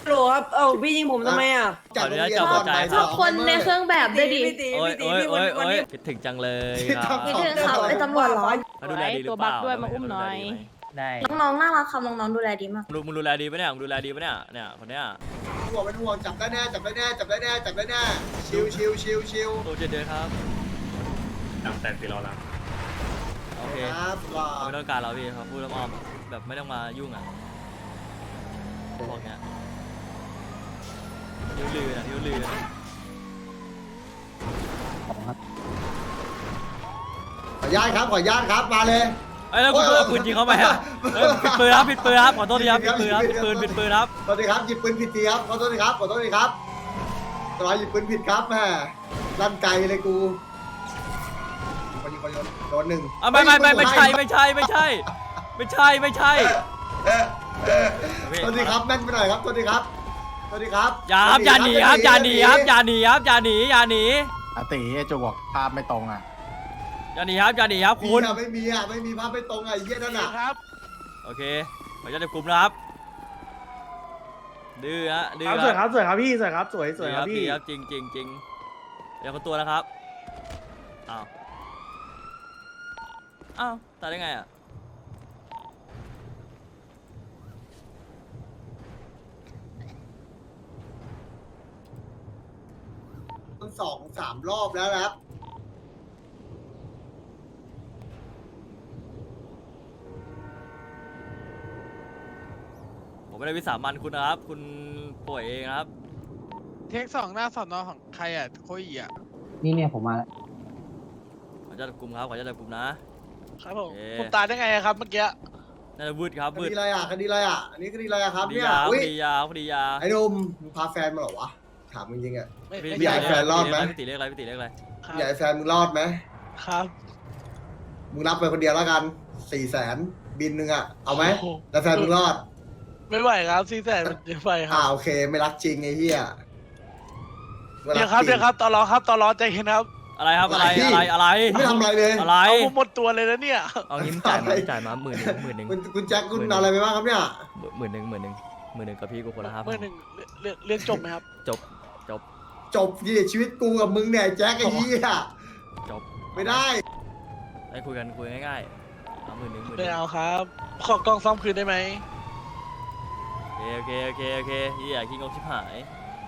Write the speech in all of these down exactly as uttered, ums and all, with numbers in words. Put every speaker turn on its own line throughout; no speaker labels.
โหลครับเอ้าพี่ยิงผมทำไมอ่ะ
จากโรงเรียน
ขออนุญาต
ก่อนบ่าย
จั
ส
บ
อง
คนในเครื่องแบบด้วยดิ
พี่ตี
โอ้ย
พี่ตี
โอ้ย
พี่
โอ้
วัน
ย
วัน
โอ้ย
นี้
คิดถึงจังเลย
ที่
ครับ
ทำ
คิดถึงครับไอ้ตำรวจเหรอ
มาดูแลดีหรือเปล่า
ตัวบักด้วยมาอุ้มหน่อย
ได้
น้องๆน่ารักครับน้องๆดูแลดีมาก
มึงมึงดูแลดีปะเนี่ยมึงดูแลดีปะเนี่ยเนี่ยคนเนี้ย
ห่วงเป็นห่วงจับได้แน่จับได้แน่จับได้แน่จับได้แน่ชิวชิวชิวชิว
ตัวเจ็ดเดือนครับ
ตั้งแต่ปีเราแล้ว
โอเค
ครับว่า
ไม่ต้องการเราพี่ครับพูดอ้อมๆแบบไม่ต้องมายุ่งอ่ะพวกเนี้ยยิ้วลือนะยิ้วลือนะ
ขออนุญาตครับขออนุญาตครับมาเลย
เอ้ยแล้วคุณเอาปืนยิงเขาไปอ่ะเอ้ยผิดปืนครับผิดปืนครับขอโทษทีครับผิดปืนครับผิดปืนผิดปืนครับ
สวัสดีครับหยิบปืนผิดทีครับขอโทษทีครับขอโทษทีครับตลอดหยิบปืนผิดครับแม่ลั่นไกลเลยกูคนยิงคนโยนโดนหนึ่ง
อ่ะไม่ไม่ไม่ไม่ใช่ไม่ใช่ไม่ใช่ไม่ใช่ไม่ใช่
สวัสดีครับแม่นไปหน่อยครับสวัสดีครับสวัสดีครับ
อย่าครับอย่าหนีครับอย่าหนีครับอย่าหนีครับอย่าหนีอย่าหนี
อาติไอ้โจบอกภาพไม่ตรงอ่ะ
อย่าหนีครับอย่าหนีครับ
คุ
คุณ
ณไม่มีอ่ะไม่มีภาพไม่ตรงอ่ะไอ้เหี้ยนั่นอ่ะ
ครับ
โอเคขออนุญาตจับกลุ่มนะครับดื้อฮะดื้อ
สวยครับสวยครับพี่สวยครับสวยสวยครับพี่
ดีครับจริงจริงจริงเดี๋ยวคนตัวนะครับอ้าวอ้าวตายได้ไงอ่ะ
ตั้งสองสามรอบแล้วนะครับ
ผมไม่ได้วิสามันคุณนะครับ คุณป่วยเองนะครับ
เทคสองหน้าสอนอของใครอ่ะโคอีอ่ะ
นี่เนี่ยผมมาแล้ว
ขออนุญาตจับกลุ่มครับขออนุญาตจับกลุ่มนะครับ
ผม
เอ๊ะ
ผมตายได้ไงอะครับเมื่อกี้
น่าจะวืดครับ
คว
ืด
ดีอะไรอ่ะคดีอะไรอ่ะอันนี้คดีอะไรอ่ะครับ
คดี
เนี่ย
ยา
อุ้
ค
ย
ดียาคดียา
ไอ้หนุ่มมึงพาแฟนมาเหรอวะถามมึงจริงๆอ่ะ
ไม่
พี่
ไม่
อยากให้แฟนรอดไหม
พี่ตีเลขอะไรพี่ตีเลขอะไร
ครับ
อยากให้แฟนมึงรอดไหม
ครับ
มึงรับไปคนเดียวแล้วกันสี่แสนบินหนึ่งอ่ะเอาไหม
โโ
แล้วแฟนมึงรอด
ไม่ไหวครับซีแสนมันเยอะไปค
อ่า
รับ
โอเคไม่รักจริงไอ้เหี้ยไม่
เดี๋
รั
ยว
ก
ครับ
จริง
เดี๋ยวครับตอรอครับตอรอใจเย็นครับ
อะไรครับอะไรอะไรอะไร
ไม่ทำอะไรเลย
อะไร
เอาผมหมดตัวเลยนะเนี่ย
เอางี้มึงจ่ายมาจ่ายมาหมื่นหนึ่งหมื่นหนึ่ง
คุณคุณแจ็คคุณเอาอะไรไปบ้างครับเนี่ย
หมื่นหนึ่งหมื่นหนึ่งหมื่นหนึ่งกับพี่กูคนละห้าพั
เมื่
น
อหนึ่งเรื่องเรื่องจบไหมครับ
จบจบ
จบดิชีวิตกูกับมึงเนี่ยแจ็คไอ้เหี้ย
จบ
ไม่ได้
ได้คุยกันคุยง่ายๆเอาหมื่นหนึ่งหมื่นห
ไม่
นึ่ง
เอาครับ ขอกล้องซ่อมคืนได้ไหม
โอเคโอเคโอเคโอเคเฮียขี้งกชิบหาย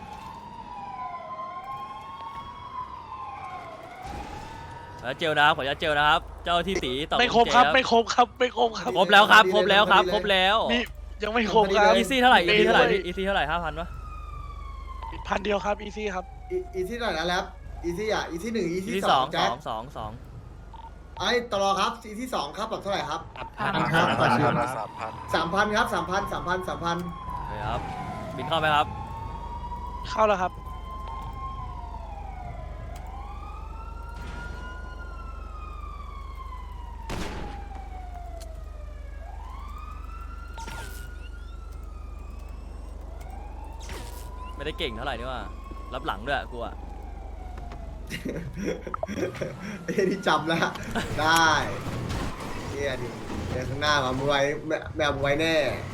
แล้วเจลนะครับขออนุญาตเจลนะครับ เจ้าที่ตีต่อ
ไม่ครบครับไม่ครบครับไม่ครบครับ
ครบแล้วครับครบแล้วครับครบแล้ว
มียังไม่ครบครับ
อีซี่เท่าไหร่อีซี่เท่าไหร่
มีด้วย
อีซี่เท่าไหร่ห้าพันปะ
พันเดียวครับอีซี่ครับ
อีอีที่ไหนนะแรปอีที่อ่ะอีที่หนึ่งอี
อี
ที่
ที่
ส
ส
อ
อง ง
แจ็
ส
ค
องสองสอง
ไอ้ตลอครับอีที่สองครับแบบเท่าไหร่ครับ
พันห้าพันห้า
สามพันครับสามพันสามพันสามพัน
โอเคครับบินเข้าไหมครับ
เข้าแล้วครับ
ไม่ได้เก่งเท่าไหร่นี่ว่ารับหลังด้วยกูอะ
ไอ้ที่จำแล้วได้เฮียดิเดี๋ยวข้างหน้ามามึงไว้แม่แม่มึงไว้แน่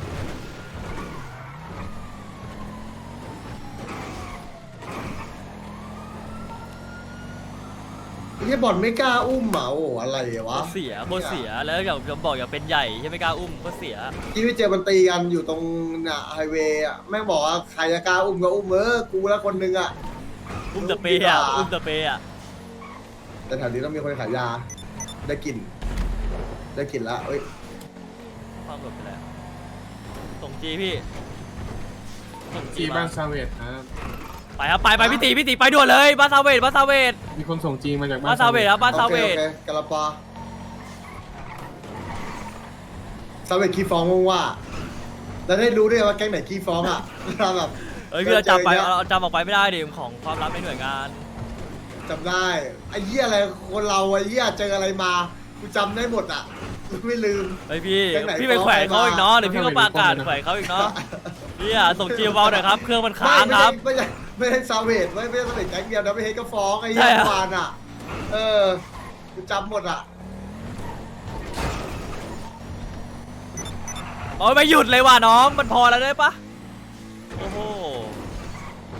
ไอ้เหี้ยบอลไม่กล้าอุ้มเหมาโอ้อะไรวะ
โคตรเสียโคตรเสียแล้วอย่างจะบอกอยากเป็นใหญ่ใช่ไม่กล้าอุ้มโคตรเสีย
ที่ไปเจอมันตีกันอยู่ตรงน่ะไฮเวย์อ่ะแม่งบอกว่าใครจะกล้าอุ้มก็อุ้มเออกูแล้วคนหนึงอ่ะ
อุ้มตะเปย์อะอุ้มตะเปย์อะ
แต่แถวนี้ต้องมีคนขายยาได้กลิ่นได้กลิ่นละเอ้ย
ความหลบไปแล้วส่งจีพี่ส่งจี
จี
มา
บ้านซาเวตครับ
ไปครับไปไปพี่ตีพี่ตีไปด่วนเลยบ้านซาเวตบ้านซาเวต
มีคนส่งจีมาจาก
บ้านซาเวตครับบ้านซาเวต
โอคโอเคกะละปาซาเวตขี้ฟ้องมึงว่าแล้วได้รู้ด้วยว่าแก๊งไหนขี้ฟ้องอ่ะเราแบบ
เอ้ยพี่เราจำไป
เจอเยอะ
เราจำออกไปไม่ได้ดิของความลับในหน่วยงาน
จำได้ไอ้เหี้ยอะไรคนเราไอ้เหี้ยเจออะไรมากูจำได้หมดอ่ะไม่ลืม
เฮ้ยพี่
แก๊งไหน
พี่ไปแขวะเขาอีกเนาะ
ฟ้อง
เดี๋ยวพี่ก็ประกาศแขวะเขาอีกเนาะพี่อะส่งจีเบาหน่อยครับเครื่องมันค้าง
ไม่
ครับ
ไม่ใช่ไม่ใช่ซาเวตไม่ไม่ใช่ซาเวตแก๊งเดียวนะไม่ใช่ก็ฟ้องไอ้
ใช่
เหี้ย
เหรอ
วานอ่ะ เออกูจำหมดอ่ะ
โอ้ยไม่หยุดเลยว่ะน้องมันพอแล้วได้ปะโอ้โห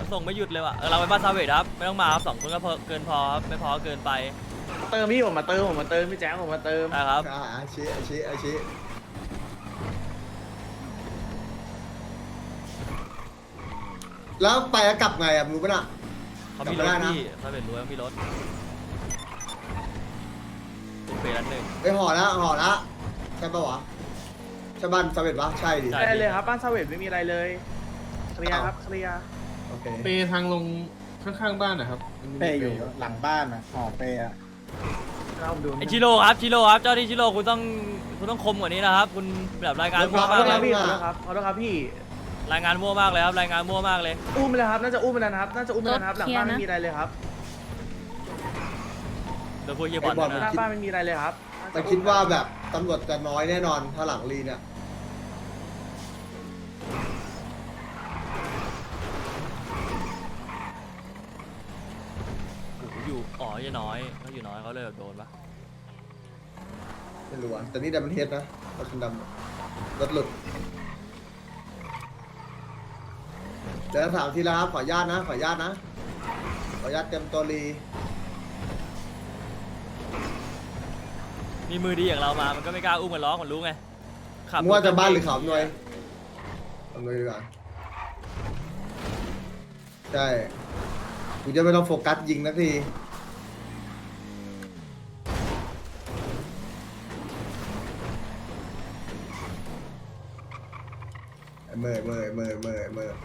มันส่งไม่หยุดเลยว่ะเออเราไปบ้านซาเวดครับไม่ต้องมาครับสองคนก็พอเกินพอครับไม่พอก็เกินไป
เติมพี่ผมมาเติมผมมาเติมพี่แจ๊คผมมาเติม
นะครับ
อ่าอาชิอาชิอาชิแล้วไปแล้วกลับไงอ่ะรู้ปะน่ะ
เขามีร
จำไม่ได้
ถ
นะ
พี่ซาเวดรู้ว่ามีรถตุ้มเปรันหนึ่ง
ไปห่อแล้วห่อแล้วใช่ปะวะใช่บ้านสำเร็จปะใช่ดิ
ใช่
ได้เลยครับบ้านซาเวดไม่มีอะไรเลยเคลียร์ครับเคลียร์
โอเค
เปทางลงข้างๆบ้านนะครับมันมี
เป้อยู่หลังบ้านนะห่อเป้อะ
เราดู
ไอชิโร่ครับชิโร่ครับเจ้าที่ชิโร่คุณต้องคุณต้องคมกว่านี้นะครับคุณแบบรายงาน
ข
มั่ว
อ
มา
โท
ก
ษ
เล
ครับ
ย
พี่ขอโทษครับขอโทษครับพี่
รายงานมั่วมากเลยครับรายงานมั่วมากเลย
อุ้มไปแล้วครับน่าจะอุ้มไปแล้วนะครับน่าจะอุ้มไปแล้วนะครับหลังบ้านไม่มีอะไรเลยครับ
เดี๋ยวพูดเยี่ยบอล
ไอ้บอล
ห
นะ
น้าบ้านไม่มีอะไรเลยครับ
แต่คิดว่าแบบตำรวจจะน้อยแน่นอนถ้าหลังรีเนี่ย
โอ้โหอยู่อ๋อยังน้อยเขาอยู่น้อยเขาเลยแบบโดนปะ
ไม่รู้อ่ะแต่นี่ดัมเบิลเฮดนะรถคันดำรถหลุดเดี๋ยวถามทีละครับขออนุญาตนะขออนุญาตนะขออนุญาตเต็มตัวรี
มีมือดีอย่างเรามามันก็ไม่กล้าอุ้มมันล้อมันรู้ไงขับ
มึงว่าจะบ้านหรือเขาอำนวยอำนวยดีกว่าใช่กูจะไม่ต้องโฟกัสยิงนักทีเมื่อเมื่อเมื่อเมื่อเมื่อ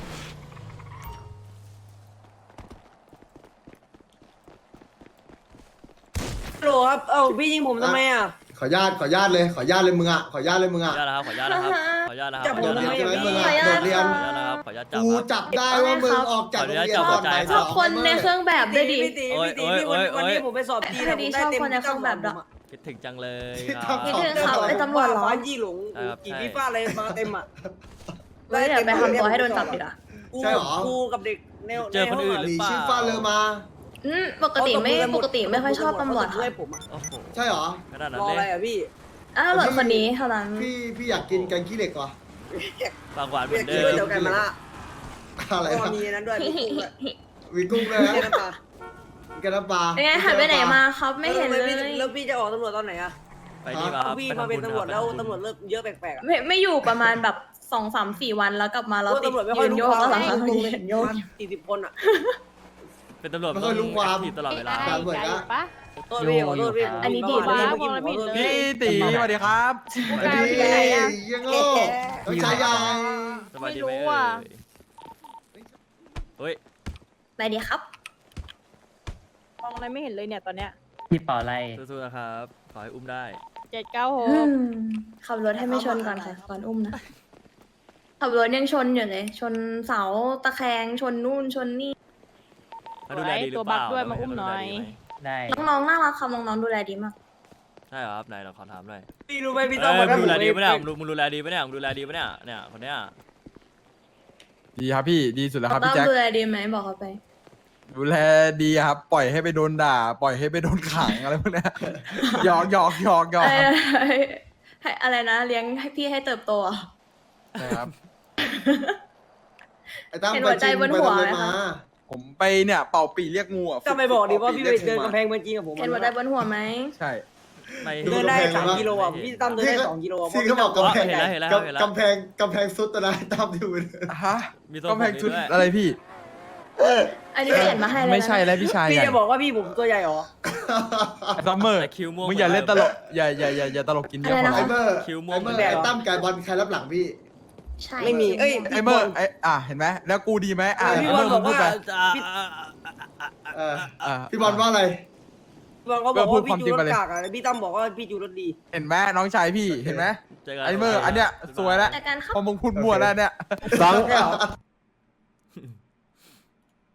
โหลครับเอ้าพี่ยิงผมทำไมอ่ะ
ขออนุญาตขออนุญาตเลยขออนุญาตเลยมึงอ่ะขออนุญาตเลยมึง
ขอ
อ่ะ
อนุญาตนะครับขออนุญาตนะครับขออนุญาตนะครับ
จับ
ขอ
ผ
อ
ม
นุญาต
ทำ
นะ
ไม
ครับ
ใช่ไหมมึงอ่ะโดดเรียน
ขออนุญาตนะครับขออนุญาตจับ
กู
ครับ
จับได้ว่ามึงออกจากโรงเรียนก่อน
ขออนุญาต
ไป
จั
ช
บ
อบ
หัวใจ
คนในเครื่องแบบด้วยดิ
พี่ตี
โอ้ย
พี่ตี
โอ้ย
พี่วัน
โอ้ย
วันนี้ผมไปสอบจีน
ไอ้ที่ชอบคนในเครื่องแบบด้วย
คิดถึงจังเลย
ที่
ครับ
ทำ
คิดถึงเขาไอ้ตำรวจเหรอ
ฟ้ายี่หลง
ใช่ครับ
กี่
ใช่
พี่ฟ้าอะไรมาเต็มอ่ะ
เฮ้ยเดี๋ยวไปทำตัวให้โดนจับดีกว่า
กูกูกับเด็กแนว
เจอคนอื่น
ห
หรื
นี
อเปล่า
ชื่อฟ้าเลอมา
อืมปกติไม่ปกติไม่ค่อยชอบตำรวจ
ช่วย
ค่ะ
ผมอ่ะ
โอ้โห
ใช่เหรอ
ขนาดนั้น
รอ
เล
อะไร
ย
อ่ะพี่
อ้าวตำรวจคนนี้เท่านั้น
พี่พี่อยากกินแกงขี้เหล็กว่ะ
ปากหวานเหมื
พี่
อน
กิ
เดิ
น
ม
ด้วยเดียวกันมาละ
อะไร
ก็
นะ
มีนั้นด้วยมีกุ้งด้วย
วีกุ้งเลยนะ
มีน้ำปลา
แกน้ำปลา
เป็นไงหายไปไหนมาครับไม่เห็นเลย
แล้วพี่จะออกตำรวจตอนไหนอ่ะ
ไปนี่มาครับ
พี่
ไป
มา
ทำ
เป็น
บุญ
ตำรวจ
ค
แล้ว
ไปทำบุญ
ตำรวจเลิกเยอะแปลกๆอ่ะ
ไม่ไม่อยู่ประมาณแบบสองสามสี่วันแล้วกลับมาแล้วติด
ตำรวจไม่ค่
ยื
อย
น
รู้
โยก
ความ
แล้ว
ให้
ค่ะ
ลุง
ยืนโยก
สี่สิบคนอ่ะ
เป็นตำรวจ
ไม่ค่อยรู้ความ
แอคทีฟตลอดเวลา
ตามเหมือนกัน
โทษพี่ขอโทษพี่ผม
อันนี้ดี
มาม
าก
เมื่อกี้ผมขอโทษพี่
ตีสวัสดีครับ
อันนี้ยังโง่ต้องใช้ยา
สบายดีไหม
ไม่รู้
เอ่
อ่ะ
ยเฮ้ย
ไปดีครับ
มองอะไรไม่เห็นเลยเนี่ยตอนเนี้ย
พี่เป่าอะไร
สู้ๆนะครับขอให้อุ้มได้
เจ็ดเก้าห
อื
ก
มขับรถให้ไม่ชนก่อนค่ะก่อนอุ้มนะ ขับรถยังชนอยู่เลย ชนเสาตะแคงชนนู่นชนนี่
เขาดูแลดีหรือเปล่า
ตัวบักด้วยมาอุ้มหน่อย
ได้
น้องๆน่ารักครับน้องๆดูแลดีมาก
ใช่เหรอครับไหนเราขอถามหน่อย
พี่รู้ไหมพี่
เอ
ต้อง
อ
มา
มึงดูแลดี
ผ
ปะเนี่ยมึงดูมึงดูแลดีปะเนี่ยมึงดูแลดีปะเนี่ยเนี่ยคนเนี้ย
ดีครับพี่ดีสุดแล้วครับ
ต้
พี่
อง
แจ็ค
ดูแลดีไหมบอกเขาไป
ดูแลดีครับ ปล่อยให้ไปโดนด่า ปล่อยให้ไปโดนขังอะไรพวกเนี้ย หยอกหยอกหยอกหยอก
เอ้
ค
ย
รับ
ให้อะไรนะเลี้ยงให้พี่ให้เติบโตอ่ะ
ใช่ครับ
ไอ้ตั้ม
เห็น
ไป
หัวใจ
จริง
บน
ไป
หัว
ทำอะไร
ไหม
มา
คะ
ผมไปเนี่ยเป่าปีเรียกงูอ่ะ
ก็ไม่บอกดิว่า
ฝึ
พี่
ป่
ไป
รีย
เดิน
งู
กำแพงเมืองจีนกับผม
เห็นหัวใจบนหัวไหม
ใช่
ไม่
เดินได้สามกิโลอ่ะพี่ตั้มเดินได้สองกิโลอ่ะ
ที่เขาบอกกำแพง
เห็นแล้วเห็นแล้วเห็นแล้ว
กำแพงกำแพงซุดตะนะตั้มดูเลย
ฮะ
มีตัว
กำแพงชุด
ด้วย
อะไรพี่
อันนี้เปลี่ยนมาให้เลยนะ
ไม่ใช่แล้วพี่ชาย
พี่
ใหญ่
จะบอกว่าพี่ผมตัวใหญ่หรอ
ไอ้ซัมเมอร์
แต่คิวม่วง
มึงอย่าเล่นตลกอย่าอย่าอย่าอย่าตลกกินเยอะ
อะไร
พอ
นะ
ไอ้เมอร์
คิวม่วง
ไอ้เมอร์ไอ้ตั้มกับบอลใครรับหลังพี่
ใช่
ไม่มีเอ้ย
ไอ้เมอร์ไอ้อ่ะเห็นไหมแล้วกูดีไหมอ่ะ
พี่
ไอ้
บ
เม
อ
อ
ล
ร์
บ
มึ
อง ก
พูด
ว่า
ไป
พี่
เออ
อ่ะ
พี่บอลว่าอะไร
บอลเขาบอกว่าพี่จูรถกากอ่ะพี่ตั้มบอกว่าพี่จูรถดี
เห็นไหมน้องชายพี่เห็นไหม
เจอกัน
ไอ้เมอร์อันเนี้ยสวยแล้ว
แต่การเข้า
พอมึงพูดมั่วแล้วเนี่ย
สอง
ใช่เหรอ